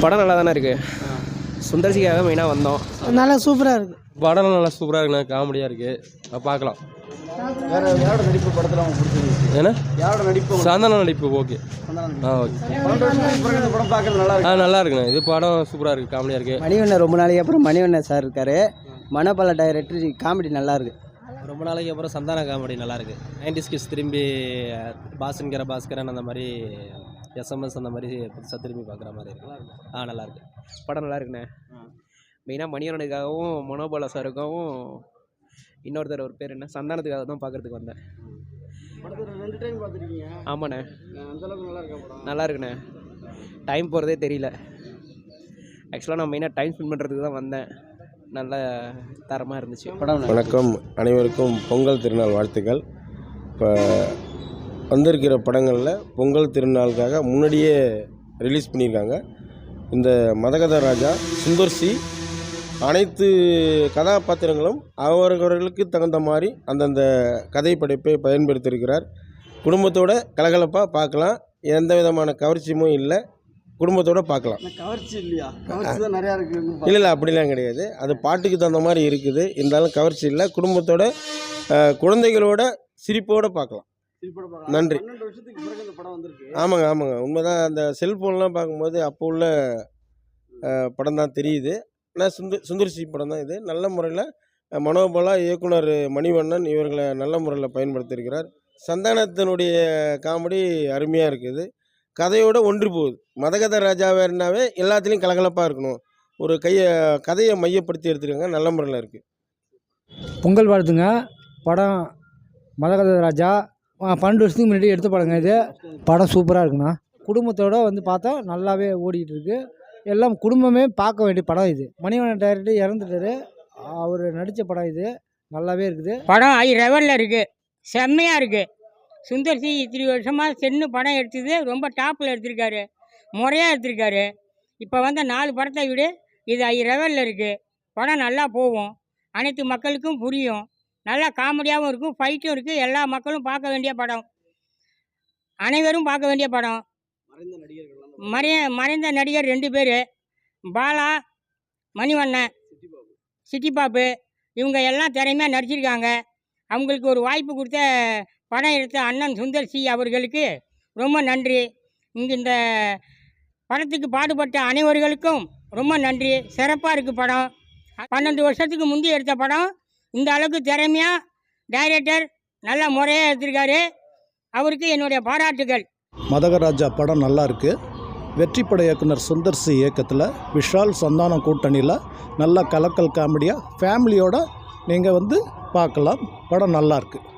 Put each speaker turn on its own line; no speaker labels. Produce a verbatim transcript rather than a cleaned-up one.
படம் நல்லா தானே இருக்குது. சுந்தர்சிக்காக மெயினாக வந்தோம்.
நல்லா சூப்பராக இருக்குது.
படம் நல்லா சூப்பராக இருக்குண்ணா, காமெடியாக இருக்குது, பார்க்கலாம்.
வேறு யாரோட நடிப்பு படத்தில் அவங்க பிடிச்சிருந்துச்சு?
ஏன்னா
யாரோட நடிப்பு?
சந்தான நடிப்பு ஓகே. ஆ ஓகே.
இந்த படம் பார்க்குறது நல்லா இருக்கு.
ஆ நல்லா இருக்குண்ணா, இது படம் சூப்பராக இருக்குது, காமெடியாக இருக்குது.
மணிவண்ணன் ரொம்ப நாளைக்கு அப்புறம் மணிவண்ணன் சார் இருக்கார். மனப்பல டைரக்டர், காமெடி நல்லா இருக்குது.
ரொம்ப நாளைக்கு அப்புறம் சந்தான காமெடி நல்லாயிருக்கு. நைன்டிஸ் கிட்ஸ் திரும்பி பாஸ்கர பாஸ்கரன் அந்த மாதிரி எஸ்எம்எஸ் அந்த மாதிரி புதுசாக திரும்பி பார்க்குற மாதிரி இருக்கு. ஆ நல்லாயிருக்கு, படம் நல்லா இருக்குண்ணே. மெயினாக மணிவண்ணனுக்காகவும் மனோபாலா சாருக்காகவும் இன்னொருத்தர் ஒரு பேர் என்ன சந்தானத்துக்காக தான் பார்க்குறதுக்கு வந்தேன்.
ரெண்டு டைம் பார்த்துருக்கீங்க?
ஆமாண்ணே,
அந்தளவுக்கு நல்லா இருக்கா படம்?
நல்லா இருக்குண்ணே, டைம் போகிறதே தெரியல. ஆக்சுவலாக நான் மெயினாக டைம் ஸ்பெண்ட் பண்ணுறதுக்கு தான் வந்தேன். நல்ல தரமாக இருந்துச்சு படம்.
வணக்கம், அனைவருக்கும் பொங்கல் திருநாள் வாழ்த்துக்கள். இப்போ வந்திருக்கிற படங்களில் பொங்கல் திருநாளுக்காக முன்னாடியே ரிலீஸ் பண்ணியிருக்காங்க. இந்த மதகத ராஜா, சுந்தர்சி, அனைத்து கதாபாத்திரங்களும் அவரவர்களுக்கு தகுந்த மாதிரி அந்தந்த கதை படைப்பை பயன்படுத்தியிருக்கிறார். குடும்பத்தோட கலகலப்பாக பார்க்கலாம், எந்த விதமான கவர்ச்சியும் இல்லை, குடும்பத்தோடு பார்க்கலாம்.
கவர்ச்சி இல்லையா? கவர்ச்சி தான் நிறையா இருக்குது.
இல்லை இல்லை அப்படிலாம் கிடையாது, அது பாட்டுக்கு தகுந்த மாதிரி இருக்குது. இருந்தாலும் கவர்ச்சி இல்லை, குடும்பத்தோட குழந்தைகளோட சிரிப்போடு பார்க்கலாம். நன்றி. ஆமாங்க ஆமாங்க உண்மைதான். அந்த செல்ஃபோன்லாம் பார்க்கும்போது அப்போ உள்ள படம் தான் தெரியுது. ஆனால் சுந்தர் சுந்தர்சி படம் தான் இது. நல்ல முறையில் மனோபாலா, இயக்குனர் மணிவண்ணன் இவர்களை நல்ல முறையில் பயன்படுத்தியிருக்கிறார். சந்தானத்தினுடைய காமெடி அருமையாக இருக்குது, கதையோடு ஒன்றி போகுது. மதகத ராஜாவேனாவே எல்லாத்துலேயும் கலகலப்பாக இருக்கணும், ஒரு கையை கதையை மையப்படுத்தி எடுத்துருக்காங்க, நல்ல முறையில் இருக்குது.
பொங்கல் வாழ்த்துங்க. படம் மதகத ராஜா பன்னெண்டு வருஷத்துக்கு முன்னாடி எடுத்த படங்க இது. படம் சூப்பராக இருக்குண்ணா, குடும்பத்தோடு வந்து பார்த்தா நல்லாவே ஓடிக்கிட்டு இருக்கு. எல்லாம் குடும்பமே பார்க்க வேண்டிய படம் இது. மணிவண்ணன் டைரக்டர் இறந்துட்டாரு, அவர் நடித்த படம் இது. நல்லாவே இருக்குது
படம். ஐ லெவலில் இருக்குது, செம்மையாக இருக்குது. சுந்தர்சி இத்தனை வருஷமாக சென்னு படம் எடுத்தது ரொம்ப டாப்பில் எடுத்திருக்காரு, முறையாக எடுத்திருக்காரு. இப்போ வந்த நாலு படத்தை விட இது ஐ லெவலில் இருக்குது. படம் நல்லா போகும், அனைத்து மக்களுக்கும் புரியும், நல்லா காமெடியாகவும் இருக்கும், ஃபைட்டும் இருக்குது. எல்லா மக்களும் பார்க்க வேண்டிய படம், அனைவரும் பார்க்க வேண்டிய படம். மறைய மறைந்த நடிகர் ரெண்டு பேர், பாலா, மணிவண்ணன், சிட்டிபாப்பு, இவங்க எல்லாம் திறமையாக நடிச்சிருக்காங்க. அவங்களுக்கு ஒரு வாய்ப்பு கொடுத்த படம் எடுத்த அண்ணன் சுந்தர்சி அவர்களுக்கு ரொம்ப நன்றி. இங்கே இந்த படத்துக்கு பாடுபட்ட அனைவர்களுக்கும் ரொம்ப நன்றி. சிறப்பாக இருக்குது படம். பன்னெண்டு வருஷத்துக்கு முந்தி எடுத்த படம் இந்த அளவுக்கு திறமையாக டைரக்டர் நல்ல முறையாக எடுத்திருக்காரு. அவருக்கு என்னுடைய பாராட்டுகள்.
மதகராஜா படம் நல்லா இருக்குது. வெற்றிப்பட இயக்குனர் சுந்தர்சி இயக்கத்தில் விஷால் சந்தானம் கூட்டணியில் நல்ல கலக்கல் காமெடியாக ஃபேமிலியோடு நீங்கள் வந்து பார்க்கலாம். படம் நல்லா இருக்குது.